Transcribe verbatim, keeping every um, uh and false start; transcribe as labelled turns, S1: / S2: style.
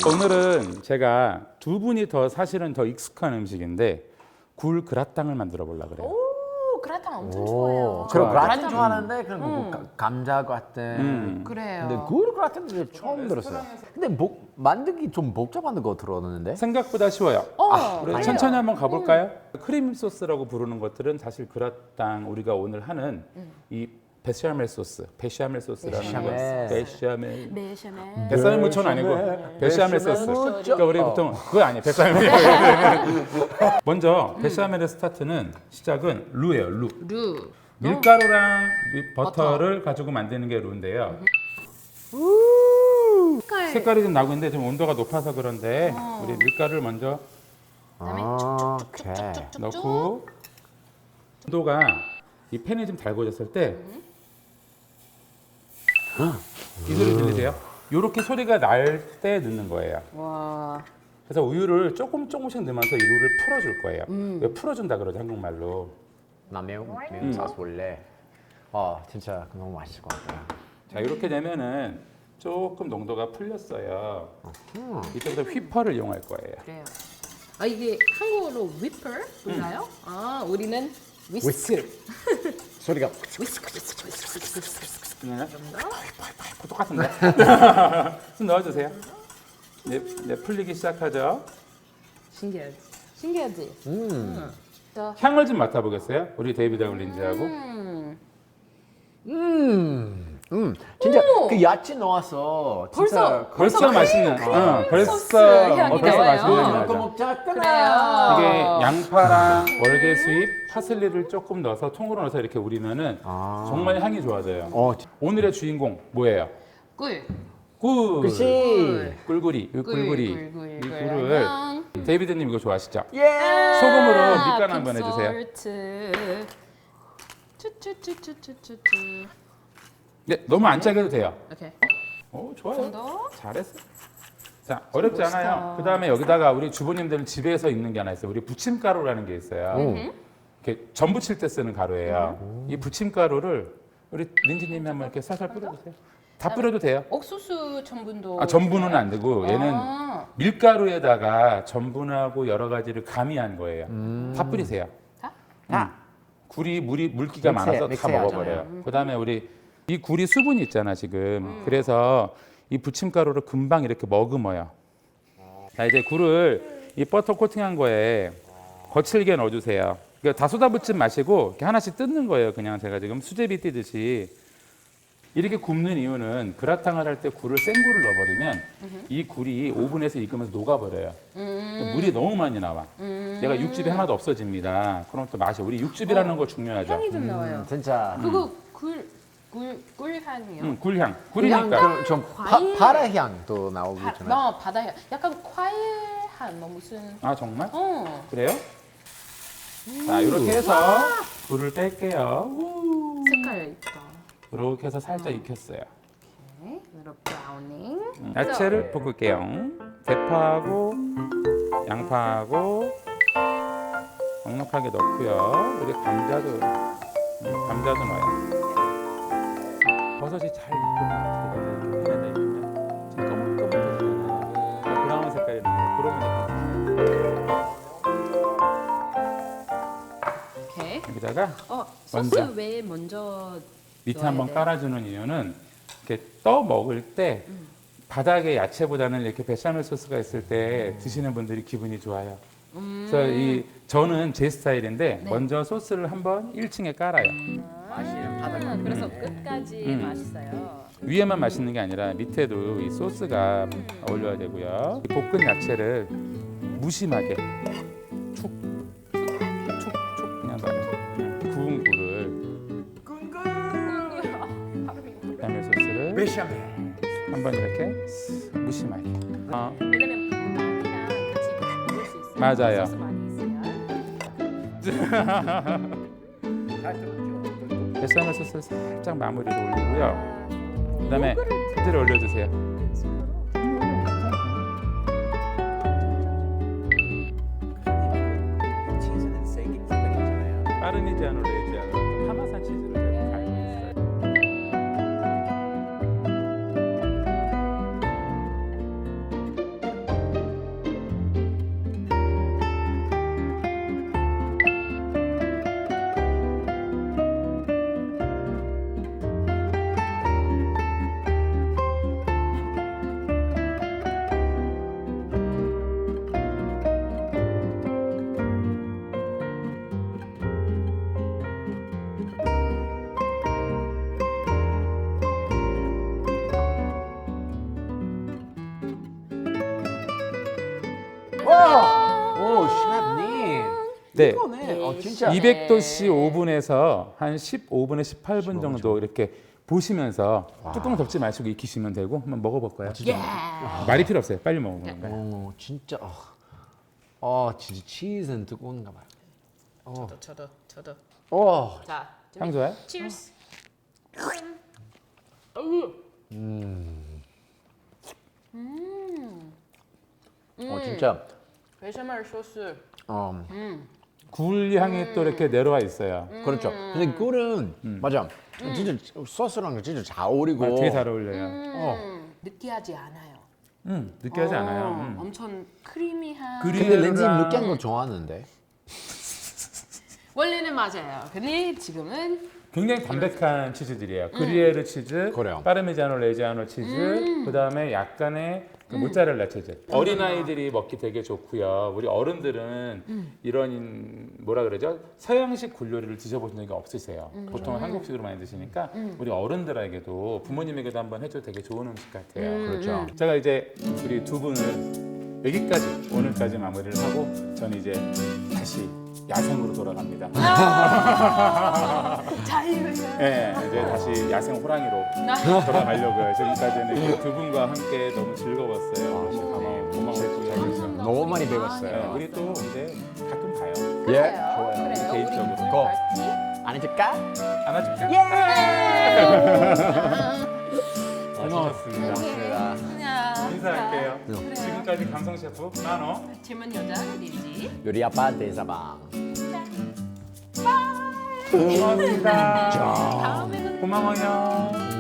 S1: 오늘은 제가 두 분이 더 사실은 더 익숙한 음식인데 굴 그라탕을 만들어 보려고 그래요.
S2: 오, 그라탕 엄청 좋아해요.
S3: 그럼
S1: 좋아요.
S3: 그라탕 좋아하는데 그런 뭐 가- 감자 같은.
S1: 음.
S2: 그래요.
S3: 근데 굴 그라탕 이제 처음 들었어요. 근데 복, 만들기 좀 복잡한 거 들었는데.
S1: 생각보다 쉬워요.
S2: 어,
S1: 우리
S2: 그래요.
S1: 천천히 한번 가볼까요? 크림 소스라고 부르는 것들은 사실 그라탕 우리가 오늘 하는 이 베샤멜 소스, 베샤멜 소스라는
S3: 베샤멜.
S1: 거, 베샤멜.
S2: 베샤멜.
S1: 베샤멜 무초는 아니고 베샤멜
S3: 베샤멜
S1: 소스.
S3: 무초.
S1: 그러니까 우리
S3: 어.
S1: 보통 그거 아니에요. 베샤멜. 먼저 베샤멜의 스타트는 시작은 루예요. 루.
S2: 루.
S1: 밀가루랑 미- 버터를 가지고 만드는 게 루인데요.
S2: 색깔.
S1: 색깔이 좀 나고 있는데 좀 온도가 높아서 그런데 우리 밀가루를 먼저
S2: 그다음에
S3: 아,
S2: 쭉쭉쭉쭉쭉쭉쭉.
S3: 오케이.
S1: 넣고 온도가 이 팬이 좀 달궈졌을 때 이 소리 들리세요? 이렇게 소리가 날 때 넣는 거예요.
S2: 와.
S1: 그래서 우유를 조금 조금씩 넣으면서 이 루를 풀어줄 거예요. 왜 풀어준다 그러죠 한국말로.
S3: 나 매운
S1: 음.
S3: 매운 소스 원래. 어 진짜 너무 맛있을 것 같아요.
S1: 자 이렇게 되면은 조금 농도가 풀렸어요. 이때부터 휘퍼를 이용할 거예요.
S2: 그래요. 아 이게 한국어로 whipper 몰라요? 아 우리는 whisk.
S3: 위스크. 소리가
S1: 그냥 똑같은데. 좀 넣어주세요. 네, 네 풀리기 시작하죠.
S2: 신기하지. 신기하지.
S3: 음.
S2: 자.
S1: 향을 좀 맡아보겠어요? 우리 데이비드 올린지하고.
S2: 음.
S3: 음. 음. 진짜
S2: 오!
S3: 그 야채 넣어서
S2: 벌써
S3: 진짜
S1: 벌써
S2: 벌써
S1: 맛있는.
S2: 크림
S1: 응, 벌써
S2: 소스 향이
S1: 어, 벌써
S2: 나요.
S1: 맛있는
S3: 그거
S1: 맛이죠.
S3: 먹자.
S2: 그래요.
S1: 이게 양파랑 월계수잎, 파슬리를 조금 넣어서 통으로 넣어서 이렇게 우리면은
S3: 아.
S1: 정말 향이 좋아져요.
S3: 어.
S1: 오늘의 주인공 뭐예요?
S2: 꿀.
S1: 꿀.
S3: 그치.
S1: 꿀꿀이. 이
S2: 꿀,
S1: 꿀꿀이.
S2: 꿀, 꿀,
S1: 이
S2: 꿀.
S1: 꿀을
S2: 안녕.
S1: 데이비드님 이거 좋아하시죠?
S3: 예.
S1: 소금으로
S2: 아,
S1: 밑간 한번 해주세요.
S2: 빅솔트. 쭈쭈쭈쭈쭈쭈쭈.
S1: 네, 너무 안 짜게 해도 돼요.
S2: 오케이.
S1: 오, 좋아요.
S2: 정도?
S1: 잘했어. 자, 어렵지
S2: 멋있다.
S1: 않아요. 그 다음에 여기다가 우리 주부님들은 집에서 있는 게 하나 있어요. 우리 부침가루라는 게 있어요.
S3: 음.
S1: 이렇게 전 부칠 때 쓰는 가루예요. 이 부침가루를 우리 린지님이 한번 이렇게 살살 뿌려주세요. 다 뿌려도 돼요.
S2: 옥수수 전분도.
S1: 아, 전분은 안 되고 얘는
S2: 아,
S1: 밀가루에다가 전분하고 여러 가지를 가미한 거예요.
S3: 음.
S1: 다 뿌리세요.
S2: 다?
S3: 다.
S1: 굴이 물이 물기가
S3: 믹스해,
S1: 많아서 다
S3: 믹스해야죠.
S1: 먹어버려요. 그다음에 우리 이 굴이 수분이 있잖아 지금. 그래서 이 부침가루를 금방 이렇게 머금어요. 자 이제 굴을 이 버터 코팅한 거에 거칠게 넣어주세요. 그러니까 다 쏟아붓지 마시고 이렇게 하나씩 뜯는 거예요. 그냥 제가 지금 수제비 뜯듯이. 이렇게 굽는 이유는 그라탕을 할 때 굴을 생 굴을 넣어버리면 이 굴이 오븐에서 익으면서 녹아버려요. 물이 너무 많이 나와. 얘가 육즙이 하나도 없어집니다. 그럼 또 맛이 우리 육즙이라는 거 중요하죠.
S2: 향이 좀 나와요.
S3: 음, 진짜.
S2: 그거 굴, 굴, 꿀향이요.
S1: 음, 굴향.
S3: 그냥
S1: 굴이니까.
S3: 좀, 좀 파,
S2: 과일.
S3: 파라 향도 나오고
S2: 바,
S3: 있잖아요.
S2: 너 바다향. 약간 과일향 뭐 무슨.
S1: 아 정말?
S2: 어.
S1: 그래요? 자 이렇게 해서 굴을 뺄게요. 우.
S2: 색깔 이쁘다.
S1: 이렇게 해서 살짝 익혔어요.
S2: 오케이. little browning.
S1: 음, 야채를 볶을게요. 대파하고 양파하고 넉넉하게 넣고요. 우리 감자도 음, 감자도 넣어요. 버섯이 잘 익으면 어떻게 되냐? 익으면 지금 검은검은해지잖아요. 브라운 색깔이 나요. 그러면
S2: 오케이.
S1: 여기다가
S2: 어, 소스
S1: 먼저.
S2: 왜 먼저
S1: 밑에
S2: 넣어야
S1: 한번
S2: 돼요?
S1: 깔아주는 이유는 이렇게 떠 먹을 때 바닥에 야채보다는 이렇게 베샤멜 소스가 있을 때 드시는 분들이 기분이 좋아요. 그래서 이 저는 제 스타일인데
S2: 네.
S1: 먼저 소스를 한번 일 층에 깔아요.
S2: 아, 그래서 끝까지
S1: 음.
S2: 맛있어요.
S1: 위에만 맛있는 게 아니라 밑에도 이 소스가 어울려야 되고요. 이 볶은 야채를 무심하게 축축축 그냥 넣어요. 구운 굴을 베샤멜 소스를
S3: 베샤멜.
S1: 한번 이렇게 쓱 무심하게. 어,
S2: 왜냐면 빵이랑 같이 먹을 수 있어요.
S1: 맞아요.
S2: 소스 많이 있어요.
S1: 베샤멜 소스를 살짝 마무리로 올리고요. 그다음에 치즈를 올려주세요.
S3: 치즈는 세긴 세긴
S1: 파르미지아노 레지아노 파마산 치즈를 제가 갈고 있어요. 네.
S3: 이거네. 어, 진짜.
S1: 이백 도씨 오븐에서 한 십오 분에서 십팔 분 정도 이렇게 보시면서 뚜껑 덮지 마시고 익히시면 되고 한번 먹어볼까요?
S2: 예.
S1: 말이 필요 없어요. 빨리 먹어보는 거예요.
S3: 어, 진짜. 어, 어 진짜 치즈는 뜨거운가 봐요.
S2: 저도 저도 저도.
S3: 어,
S2: 자,
S1: 향 좋아요?
S2: 치얼스.
S3: 어 진짜.
S2: 베샤멜 소스.
S3: 어,
S1: 굴 향이 또 이렇게 내려와 있어요.
S3: 그렇죠. 근데 꿀은 맞아. 진짜 소스랑 진짜 잘 어울리고.
S1: 아, 되게 잘 어울려요.
S3: 어.
S2: 느끼하지 않아요.
S1: 음, 느끼하지
S2: 어,
S1: 않아요. 음.
S2: 엄청 크리미한.
S1: 그리-
S3: 근데 렌즈
S1: 그리에르랑-
S3: 느끼한 거 좋아하는데.
S2: 원래는 맞아요. 근데 지금은
S1: 굉장히 담백한 치즈들이에요. 그리에르 치즈,
S3: 그래요.
S1: 파르미자노 레지아노 치즈, 그다음에 약간의 그 모짜렐라 치즈. 어린아이들이 먹기 되게 좋고요. 우리 어른들은 이런 뭐라 그러죠? 서양식 굴 요리를 드셔보신 적이 없으세요. 보통 은 한국식으로 많이 드시니까 우리 어른들에게도 부모님에게도 한번 해줘도 되게 좋은 음식 같아요.
S3: 그렇죠.
S1: 제가 이제 우리 두 분을 여기까지 오늘까지 마무리를 하고 저는 이제 다시 야생으로 돌아갑니다.
S2: 자유예요.
S1: 네, 이제 다시 야생 호랑이로 돌아가려고요. 지금까지는 이두 분과 함께 너무 즐거웠어요. 네, 고마웠고요.
S3: 너무 많이
S1: 네,
S3: 배웠어요.
S1: 우리 또 이제 가끔 봐요.
S3: 예.
S2: 그래요. 그래요.
S1: 개인적으로.
S2: 우리
S3: 고.
S2: 파티.
S3: 안 해줄까?
S1: 안아줄까? 고마웠습니다.
S3: 고맙습니다.
S2: 안녕.
S1: 인사할게요.
S2: 그래요.
S1: 지금까지 감성 셰프 만호.
S2: 질문 여자 리지.
S3: 요리 아빠 대사방.
S1: 고맙습니다.
S2: 다음에는
S1: 고마워요.